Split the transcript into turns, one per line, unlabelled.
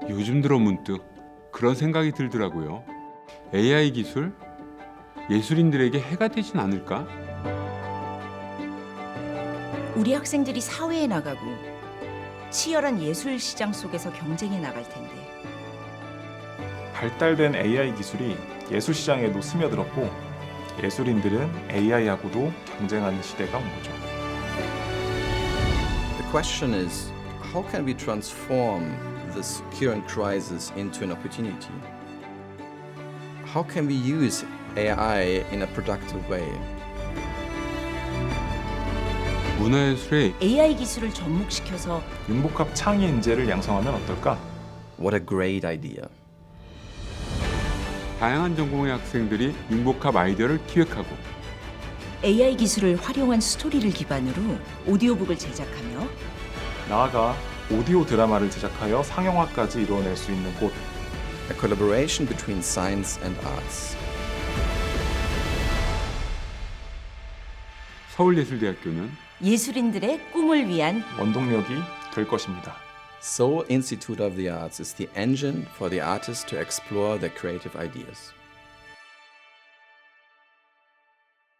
요즘 들어 문득 그런 생각이 들더라고요. AI 기술 예술인들에게 해가 되진 않을까?
우리 학생들이 사회에 나가고 치열한 예술 시장 속에서 경쟁해 나갈 텐데
발달된 AI 기술이 예술 시장에도 스며들었고 예술인들은 AI하고도 경쟁하는 시대가 온 거죠.
The question is, how can we transform this current crisis into an opportunity? How can we use AI in a productive way?
문화예술의
AI 기술을 접목시켜서
융복합 창의 인재를 양성하면 어떨까?
What a great idea.
다양한 전공의 학생들이 융복합 아이디어를 기획하고
AI 기술을 활용한 스토리를 기반으로 오디오북을 제작하며
나아가 오디오 드라마를 제작하여 상영화까지 이루어낼 수 있는 곳.
A collaboration between science and arts.
서울예술대학교는
예술인들의 꿈을 위한
원동력이 될 것입니다.
Seoul Institute of the Arts is the engine for the artists to explore their creative ideas.